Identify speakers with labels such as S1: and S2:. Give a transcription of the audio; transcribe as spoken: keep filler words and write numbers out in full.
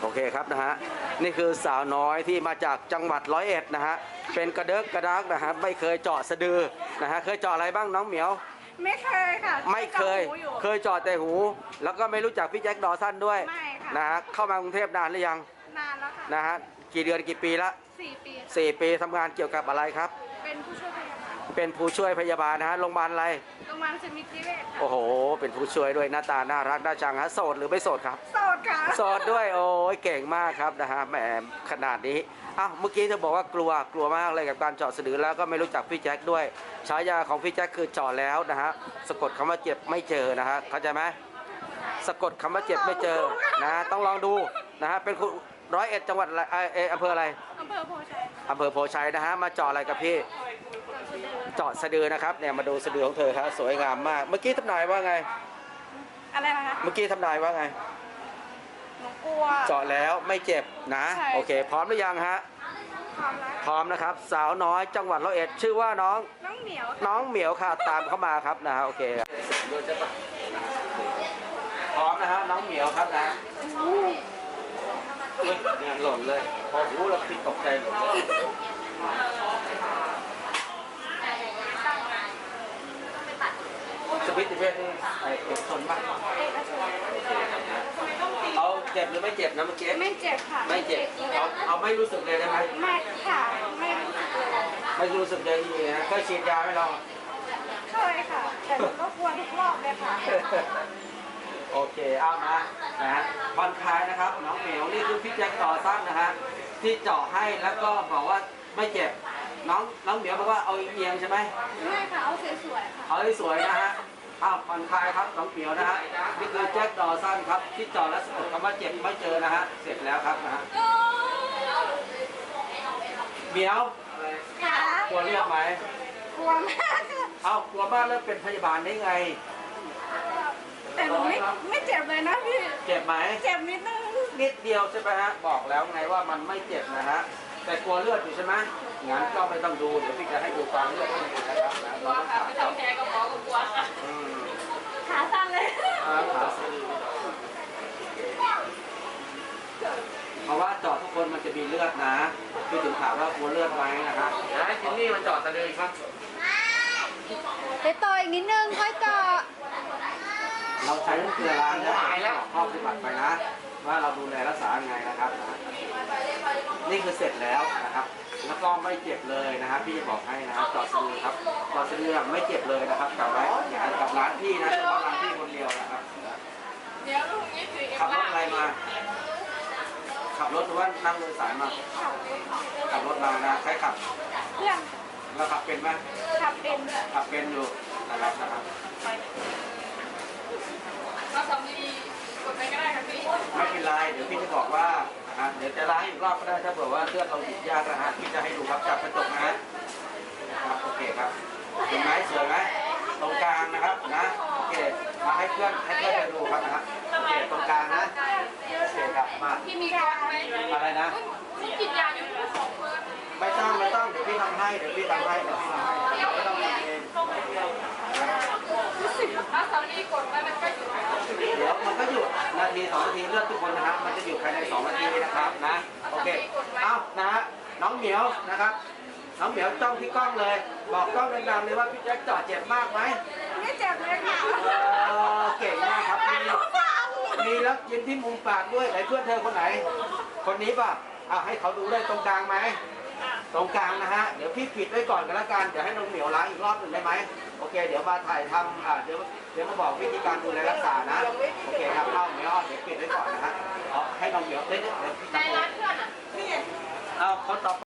S1: โอเคครับนะฮะนี่คือสาวน้อยที่มาจากจังหวัดร้อยเอ็ดนะฮะเป็นกระเดิกกระดักนะฮะไม่เคยเจาะสะดือนะฮะเคยเจาะอะไรบ้างน้องเหมียว
S2: ไม่เคยค่ะ
S1: ไม่เคยเคยเจาะแต่หู แล้วก็ไม่รู้จักพี่แจ็คดอสันด้วย
S2: ไม่ค่ะ
S1: นะฮะเข้ามากรุงเทพนานหรือยัง
S2: นานแล้วค่ะ
S1: นะฮะกี่เดือนกี่ปีละ
S2: สี่ปี
S1: สี่ปีทำงานเกี่ยวกับอะไรครับ
S2: เป็นผู้ช่วยพยาบาล
S1: เป็นผู้ช่วยพยาบาลนะฮะโรงพยาบาลอะไร
S2: โรงพยาบาลสมิติเวชค่ะ
S1: โอ้โหเป็นผู้ช่วยด้วยหน้าตาน่ารักน่าชังฮะโสดหรือไม่โสดครับ
S2: โสดค่ะ
S1: โสดด้วยโอ้ยเก่งมากครับนะฮะแหมขนาดนี้อ้าวเมื่อกี้เธอบอกว่ากลัวกลัวมากเลยกับการเจาะสะดือแล้วก็ไม่รู้จักพี่แจ็คด้วยฉายาของพี่แจ็คคือเจาะแล้วนะฮะสะกดคำว่าเจ็บไม่เจอนะฮะเข้าใจไหมสะกดคำว่าเจ็บไม่เจอนะต้องลองดูนะฮะเป็นคนร้อยเอ็ดจังหวัดอะไรเอออำเภออะไร
S2: อำเภอโพชัย
S1: อำเภอโพชัยนะฮะมาเจาะอะไรกับพี่เจาะสะดือนะครับเนี่ยมาดูสะดือของเธอครับสวยงามมากเมื่อกี้ทำนายว่าไง
S2: อะไรนะคะ
S1: เมื่อกี้ทำนายว่าไง
S2: หนูกลัว
S1: เจาะแล้วไม่เจ็บนะโอเคพร้อมหรือยังฮะ
S2: พร้อมแล้ว
S1: พร้อมนะครับสาวน้อยจังหวัดร้อยเอ็ดชื่อว่าน้อง
S2: น้องเหมียว
S1: น้องเหมียวค่ะตามเข้ามาครับนะฮะโอเคพร้อมนะฮะน้องเหมียวครับนะเนี่ยหล่นเลยพอหูเราผิดตกใจหล่นสปิทติเวชนี่ไอเอกชนบ้างเอาเจ็บหรือไม่เจ็บนะเมื่อกี้
S2: ไม่เจ็บค่ะ
S1: ไม่เจ็บเอาเอาไม่รู้สึกเลยได้ไหม
S2: ไม่ค่ะไม่รู้สึกเลย
S1: ไม่รู้สึกเลยทีนะเคยฉีดยาไหมเรา
S2: เคยค่ะแต่หนูก็กลัวทุกรอบเลยค่ะ
S1: โอเคเอามานะฮะผ่อนคลายนะครับน้องเหมียวนี่คือพี่แจ็คต่อสั้นนะฮะที่เจาะให้แล้วก็บอกว่าไม่เจ็บน้องน้องเหมียวบอกว่าเอาเอียงใช่ไหม
S2: ไม่ค่ะเอาสวยๆค่ะ
S1: เอาสวยนะฮะอ้าวผ่อนคลายครับน้องเหมียวนะฮะนี่คือแจ็คดอสันครับที่เจาะและสะกดคำว่าเจ็บไม่เจอนะฮะเสร็จแล้วครับนะฮะเหมียวกลัวเลือดไหม
S2: กลัวมาก
S1: เอ้ากลัวมากแล้วเป็นพยาบาลได้ไง
S2: แต่หนูไม่ไม่เจ็บเลยนะพี่
S1: เจ็บไหม
S2: เจ็บนิดนึง
S1: นิดเดียวใช่ไหมฮะบอกแล้วไงว่ามันไม่เจ็บนะฮะแต่กลัวเลือดอยู่ใช่ไหมงั้นก็ไม่ต้องดูเดี๋ยวพี่จะให้ดูความเลือดที่อยู่นะครับนะ
S2: กลัวค่ะไม่ทำแผลกับหมอก็กลัวค่ะขาสั่นเลย
S1: ขาสั่นเพราะว่าเจาะทุกคนมันจะมีเลือดนะพี่ถึงถามว่ากลัวเลือดไหมนะครับนะจินนี่มันเจาะตะเลยครับ
S3: ไปต่ออีกนิดนึงค่อยเจาะ
S1: เราใช้เกลือล้างนะข้อปฏิบัติไปนะว่าเราดูแลรักษาไงนะครับนี่คือเสร็จแล้วนะครับแล้วก็ไม่เจ็บเลยนะครับพี่จะบอกให้นะครับเจาะสะดือครับเจาะสะดือไม่เจ็บเลยนะครับกับร้านกับร้านพี่นะเฉพาะร้านพี่คนเดียวนะครับขับรถอะไรมาขับรถหรือว่านั่งโดยสารมาขับรถมานะใครขับ
S2: เพื่อน
S1: เราขับเป็นไหม
S2: ขับเป็น
S1: ขับเป็นอยู่นะครับนะครับ
S2: เราทำดีกดไปก็ได้ครับพี่
S1: ไม่เป็นไรเดี๋ยวพี่จะบอกว่าเดี๋ยวจะล้างอีกรอบก็ได้ถ้าเผื่อว่าเลือดเราหยุดยากนะฮะพี่จะให้ดูครับจับกระจกนะฮะครับโอเคครับเห็นไหมสวยไหมตรงกลางนะครับนะโอเคมาให้เพื่อนให้เพื่อนไปดูครับนะโอเคตรงกลางนะโอเคครับมา
S2: พี่มีการไหม
S1: อะไรนะ
S2: กินยาอยู่ของเพื่อน
S1: ไม่ต้องไม่ต้องเดี๋ยวพี่ทำให้เดี๋ยวพี่ทำให้เดี๋ยวพี่ทำให้ไม่ต้องทำเอง
S2: ถ้าสามีกดแล้วมันก็อยู่
S1: เดี๋ยวมันก็หยุดนาทีสองนาทีเลือดทุกคนนะครับมันจะหยุดภายในสองนาทีนะครับนะโอเคเอ้านะฮะน้องเหมียวนะครับน้องเหมียวจ้องที่กล้องเลยบอกกล้องดังๆเลยว่าพี่แจ็คเจาะเจ็บมากไหม
S2: ไม่เจ็บเลยค่ะ
S1: เก่งมากครับมีมีแล้วยิ้มที่มุมปากด้วยไหนเพื่อนเธอคนไหนคนนี้ป่ะอ่ะให้เขาดูได้ตรงกลางไหมตรงกลางนะฮะเดี๋ยวพี่ปิดไว้ก่อนกันละกันเดี๋ยวให้น้องเหมียวล้างอีกรอบหนึ่งได้ไหมโอเคเดี๋ยวมาถ่ายทำอ่าเดี๋ยวเดี๋ยวมาบอกวิธีการดูแลรักษานะโอเคครับเข้าเหมียวเดี๋ยวปิดไว้ก่อนนะฮะให้น้องเหมียวเล่นเดี๋ยวพี่จะในร้านเพื่อนอ่ะนี่เอาคนต่อ